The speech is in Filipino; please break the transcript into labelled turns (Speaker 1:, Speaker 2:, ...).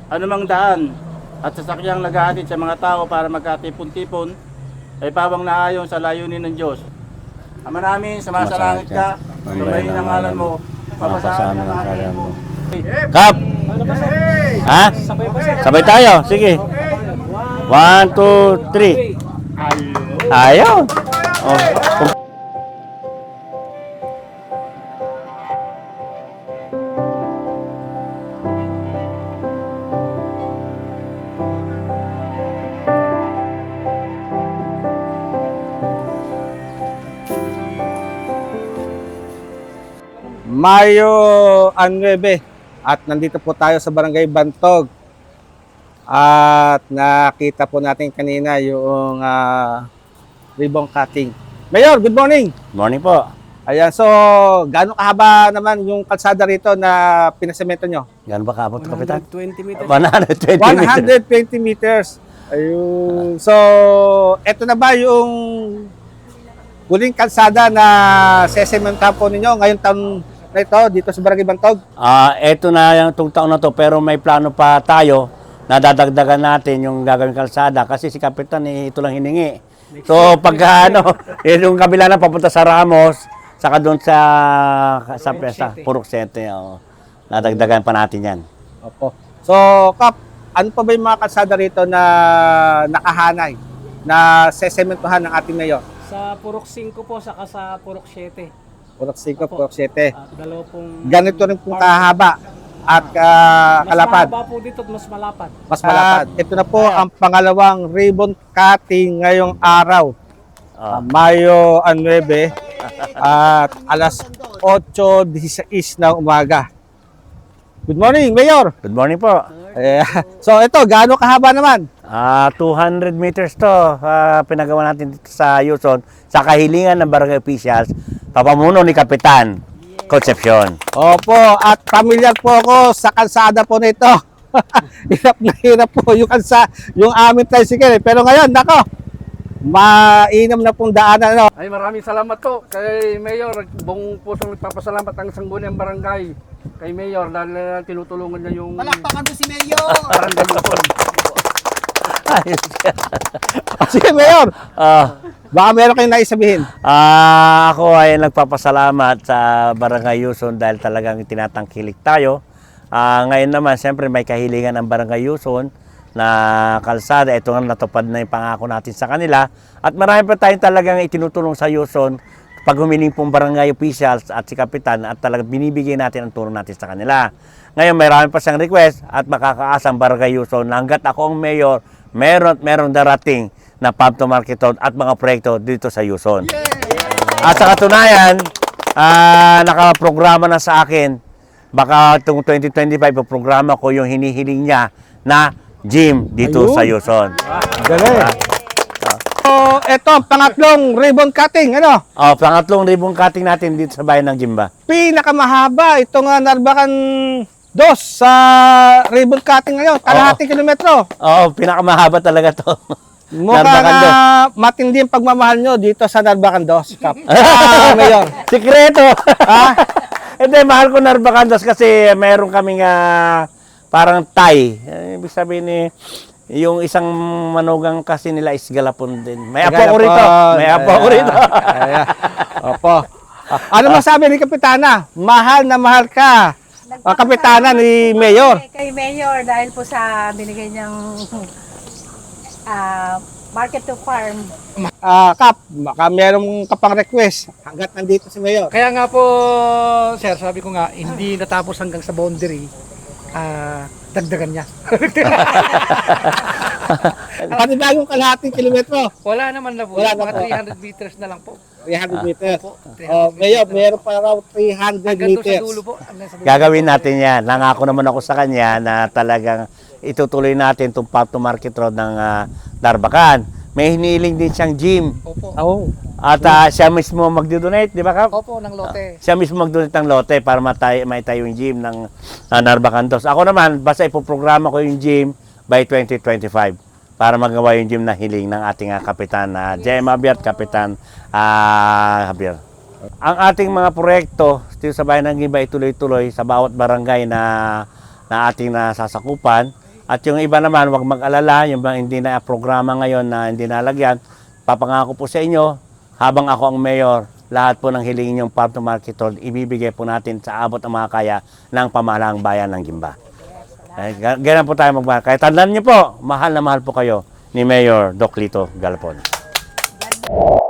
Speaker 1: anumang daan at sasakyang naghahatid sa mga tao para magkatipon-tipon ay pawang naayon sa layunin ng Diyos. Ama namin, sumasalangit ka, sumayin ang ngalan mo, papasahan ang ngalan mo.
Speaker 2: Kap! Ha? Sabay tayo. Sige. 1, 2, 3. Ayaw. Oh.
Speaker 3: Mayo 9 at nandito po tayo sa Barangay Bantog at nakita po natin kanina yung ribbon cutting. Mayor, good morning!
Speaker 2: Morning po.
Speaker 3: Ayan, so gaano kahaba naman yung kalsada rito na pinasemento nyo?
Speaker 2: Gano'n ba kaabot, Kapitan?
Speaker 4: 120 meters.
Speaker 2: 120 meters.
Speaker 3: 120 meters. Ayun. So, eto na ba yung huling kalsada na sesementahan po ninyo ngayong taon na ito dito sa Barangay Bantog?
Speaker 2: Eto na yung taon na to, pero may plano pa tayo na dadagdagan natin yung gagawing kalsada kasi si Kapitan ito lang hiningi. So pagka yung kabila na papunta sa Ramos, saka doon sa Pesta, Purok 7, nadagdagan pa natin yan.
Speaker 3: Opo. So, Kap, ano pa ba yung mga kalsada rito na nakahanay na sesementohan ng ating mayor?
Speaker 4: Sa Purok 5 po, saka sa Purok 7.
Speaker 3: Purok 5, Purok 7.
Speaker 4: Dalawa pong...
Speaker 3: Ganito rin pong kahaba at kalapad.
Speaker 4: Mas mahaba po dito at mas malapad.
Speaker 3: Mas malapad. Ito na po ang pangalawang ribbon cutting ngayong araw. Mayo 9 at alas 8:16 ng umaga. Good morning, Mayor!
Speaker 2: Good morning po.
Speaker 3: So ito, gaano kahaba naman?
Speaker 2: 200 meters to pinagawa natin dito sa Yuson sa kahilingan ng barangay officials, papamuno ni Kapitan Concepcion.
Speaker 3: Opo, at familiar po ako sa kalsada po nito. Hirap na hirap po yung aming tricycle. Pero ngayon, nako, mainam na pong daanan.
Speaker 5: Ay, maraming salamat po kay Mayor. Buong pusong nagpapasalamat ang sangguniang barangay kay Mayor dahil tinutulungan niya yung
Speaker 6: Palakpakan mo si Mayor!
Speaker 5: barangay Luzon.
Speaker 3: Sige, Mayor, baka meron kayong naisabihin.
Speaker 2: Ako ay nagpapasalamat sa Barangay Yuson dahil talagang tinatangkilik tayo. Ngayon naman, siyempre may kahilingan ng Barangay Yuson na kalsada. Ito nga natupad na yung pangako natin sa kanila. At marami pa tayong talagang itinutulong sa Yuson pag humiling pong barangay officials at si Kapitan at talagang binibigay natin ang tulong natin sa kanila. Ngayon, mayroon pa siyang request at makakaasang Barangay Yuson na hanggat ako ang mayor, meron darating na farm to market road at mga proyekto dito sa Yuson. At sa katunayan, nakaprograma na sa akin, baka itong 2025, programa ko yung hinihiling niya na gym dito sa Yuson.
Speaker 3: Galing. So, ito ang pangatlong ribbon cutting, ano?
Speaker 2: Pangatlong ribbon cutting natin dito sa bayan ng Jimba.
Speaker 3: Pinakamahaba itong Narbacan 2 sa ribbon cutting ngayon, kalahating kilometro.
Speaker 2: Pinakamahaba talaga to.
Speaker 3: Mukha
Speaker 2: Narbacan
Speaker 3: na matindi ang pagmamahal nyo dito sa Narbacan 2, Kap. Mayor.
Speaker 2: Sikreto! Hindi, mahal ko Narbacan kasi mayroon kaming parang Thai. Ibig sabihin yung isang manugang kasi nila is Galapon din. May apo ko rito. May apo ko rito.
Speaker 3: Opo. Ano masabi ni Kapitana? Mahal na mahal ka. Kapitana ni Mayor.
Speaker 6: Kay Mayor dahil po sa binigay niyang market to farm.
Speaker 3: Kap, baka merong kapang request hanggat nandito si Mayor.
Speaker 4: Kaya nga po, sir, sabi ko nga, hindi natapos hanggang sa boundary, dagdagan niya.
Speaker 3: Panibagong kalahating kilometro.
Speaker 4: Wala naman na po.
Speaker 3: Wala na
Speaker 4: Mga
Speaker 3: po.
Speaker 4: 300 meters na lang po.
Speaker 3: 300 meters.
Speaker 4: Opo, 300
Speaker 3: Mayor, meron pa raw 300
Speaker 4: Hanggang doon sa
Speaker 3: meters.
Speaker 4: dulo po. Hanggang sa dulo.
Speaker 2: Gagawin natin yan. Nangako naman ako sa kanya na talagang itutuloy natin itong farm to market road ng Narbacan. May hiniling din siyang gym.
Speaker 4: Opo.
Speaker 3: Oh.
Speaker 2: At siya mismo magdo-donate, di ba Kap?
Speaker 4: Opo, ng lote.
Speaker 2: Siya mismo mag-donate ng lote para maitayo yung gym ng Narbacan 2. Ako naman, basta ipoprograma ko yung gym by 2025 para magawa yung gym na hiling ng ating kapitan na Jem Javier, Kapitan Javier. Ang ating mga proyekto dito sa bayan ng Gimba ay tuloy-tuloy sa bawat barangay na ating nasasakupan. At yung iba naman, huwag mag-alala, yung mga hindi na programa ngayon na hindi nalagyan, papangako po sa inyo, habang ako ang mayor, lahat po ng hilingin yung farm to market hall, ibibigay po natin sa abot ng mga kaya ng pamahalaang bayan ng Gimba. Ganyan po tayo magmahal. Kaya tandaan niyo po, mahal na mahal po kayo ni Mayor Doc Lito Galpon.